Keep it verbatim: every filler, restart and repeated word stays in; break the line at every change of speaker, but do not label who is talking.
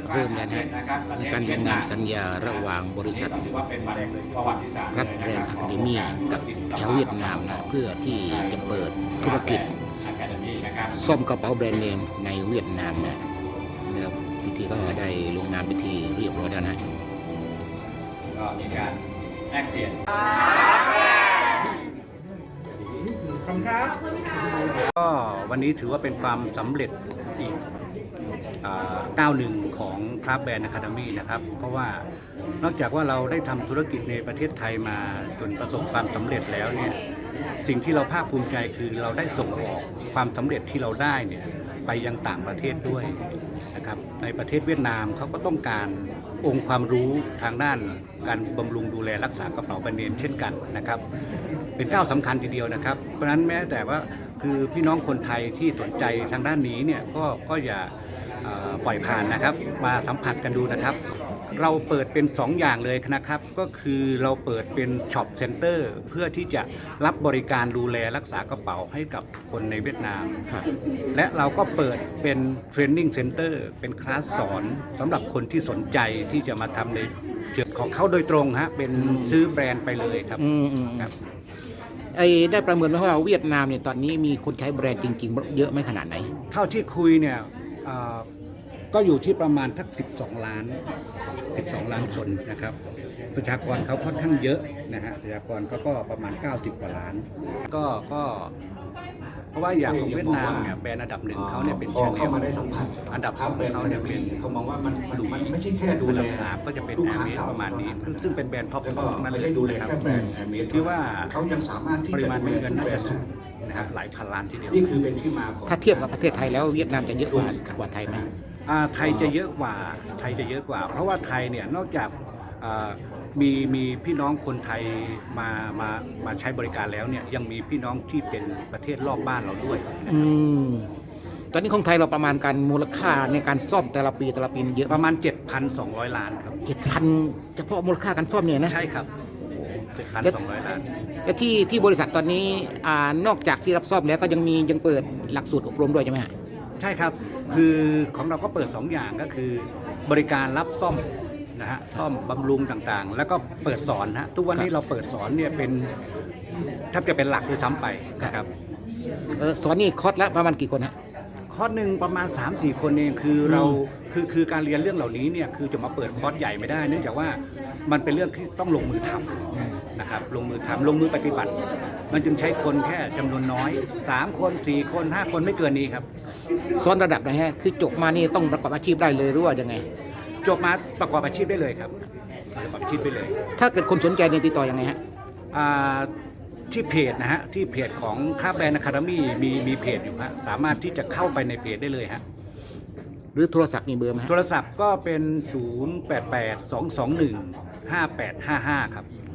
เริ่มแล้วนะในการลงนามสัญญาระหว่างบริษัทรัฐแบรนด์อะคาเดมี่กับชาวเวียดนามนะเพื่อที่จะเปิดธุรกิจซ่อมกระเป๋าแบรนด์เนมในเวียดนามนะแล้วพิธีก็ได้ลงนามพิธีเรียบร้อยแล้วนะ
ก็มีการแลกเปลี่ยน
ก็วันนี้ถือว่าเป็นความสำเร็จอีกก้าวหนึ่งของคราฟต์แบรนด์อะคาเดมี่นะครับเพราะว่านอกจากว่าเราได้ทำธุรกิจในประเทศไทยมาจนประสบความสำเร็จแล้วเนี่ยสิ่งที่เราภาคภูมิใจคือเราได้ส่งออกความสำเร็จที่เราได้เนี่ยไปยังต่างประเทศด้วยนะครับในประเทศเวียดนามเขาก็ต้องการองค์ความรู้ทางด้านการบำรุงดูแลรักษากระเป๋าแบรนด์เนมเช่นกันนะครับเป็นก้าวสำคัญทีเดียวนะครับเพราะฉะนั้นแม้แต่ว่าคือพี่น้องคนไทยที่สนใจทางด้านนี้เนี่ยก็ก็อย่าปล่อยผ่านนะครับมาสัมผัสกันดูนะครับเราเปิดเป็นสองอย่างเลยนะครับก็คือเราเปิดเป็นช็อปเซ็นเตอร์เพื่อที่จะรับบริการดูแลรักษากระเป๋าให้กับคนในเวียดนามและเราก็เปิดเป็นเทรนนิ่งเซ็นเตอร์เป็นคลาสสอนสำหรับคนที่สนใจที่จะมาทำในเชิงของเขาโดยตรงฮะเป็นซื้อแบรนด์ไปเลยครับครับ
ไอ้ได้ประเมินไหมว่าเวียดนามเนี่ยตอนนี้มีคนใช้แบรนด์จริงๆเยอะไหมขนาดไหน
เท่าที่คุยเนี่ยก็อยู่ที่ประมาณทักสิบสองล้านสิบสองล้านคนนะครับประชากรเขาค่อนข้างเยอะนะฮะประชากรเขาก็ประมาณเก้าสิบกว่าล้านก็ก็เพราะว่าอย่างของเวียดนามเนี่ยแบรนด์อันดับหนึ่งเขาเนี่ยเป็นชาแนลอันดับสองเขาเนี่ยเป็น
เขามองว่ามันมันไม่ใช่แค่ดูแล
อันดับสามก็จะเป็นแอร์เมสประมาณนี้ซึ่งเป็นแบรนด์ท็อปท็อปนั่นเลยนะครับคิดว่า
เขายังสามารถที่
ปริมาณเงินน่าจะสูงนะครับหลายพันล้านทีเดียว
นี่คือเป็นที่มาของ
ถ้าเทียบกับประเทศไทยแล้วเวียดนามจะเยอะกว่ากว่าไทยไหม
ไทยจะเยอะกว่าไทยจะเยอะกว่าเพราะว่าไทยเนี่ยนอกจากมีมีพี่น้องคนไทยมามามาใช้บริการแล้วเนี่ยยังมีพี่น้องที่เป็นประเทศรอบบ้านเราด้วยนะครับ
ตอนนี้ของไทยเราประมาณการมูลค่าในการซ่อมแต่ละปีแต่ละปีเยอะ
ประมาณ เจ็ดพันสองร้อย ล้านครับ
เจ็ดพัน เฉพาะมูลค่าการซ่อมเนี่ยนะ
ใช่ครับ เจ็ดพันสองร้อย ล้าน
และที่ที่บริษัทตอนนี้อ่านอกจากที่รับซ่อมแล้วก็ยังมียังเปิดหลักสูตรอบรมด้วยใช่ไหมฮะ
ใช่ครับคือของเราก็เปิดสองอย่างก็คือบริการรับซ่อมนะฮะซ่อมบำรุงต่างๆแล้วก็เปิดสอนฮะทุกวันนี้เราเปิดสอนเนี่ยเป็นแทบจะเป็นหลักด้วยซ้ำไปนะครับ
สอนนี่คอร์สละประมาณกี่คนฮะ
คอร์สหนึ่งประมาณ สามสี่ คนเองคือเราคือคือการเรียนเรื่องเหล่านี้เนี่ยคือจะมาเปิดคอร์สใหญ่ไม่ได้เนื่องจากว่ามันเป็นเรื่องที่ต้องลงมือทำนะครับลงมือทำลงมือปฏิบัติมันจึงใช้คนแค่จำนวนน้อยสามคนสี่คนห้าคนไม่เกินนี้ครับ
สอนระดับไหนฮะคือจบมานี่ต้องประกอบอาชีพได้เลยหรือว่ายังไง
จบมาประกอบอาชีพได้เลยครับประกอบอาชีพได้เลย
ถ้าเกิดคนสนใจเนี่ยติดต่อยังไงฮะ
ที่เพจนะฮะที่เพจของคราฟต์แบรนด์อะคาเดมี่มีมีเพจอยู่ฮะสามารถที่จะเข้าไปในเพจได้เลยฮะ
หรือโทรศัพท์มีเบอร์ไหม
โทรศัพท์ก็เป็นศูนย์ แปด แปด สอง สอง หนึ่ง ห้า แปด ห้า ห้าครับ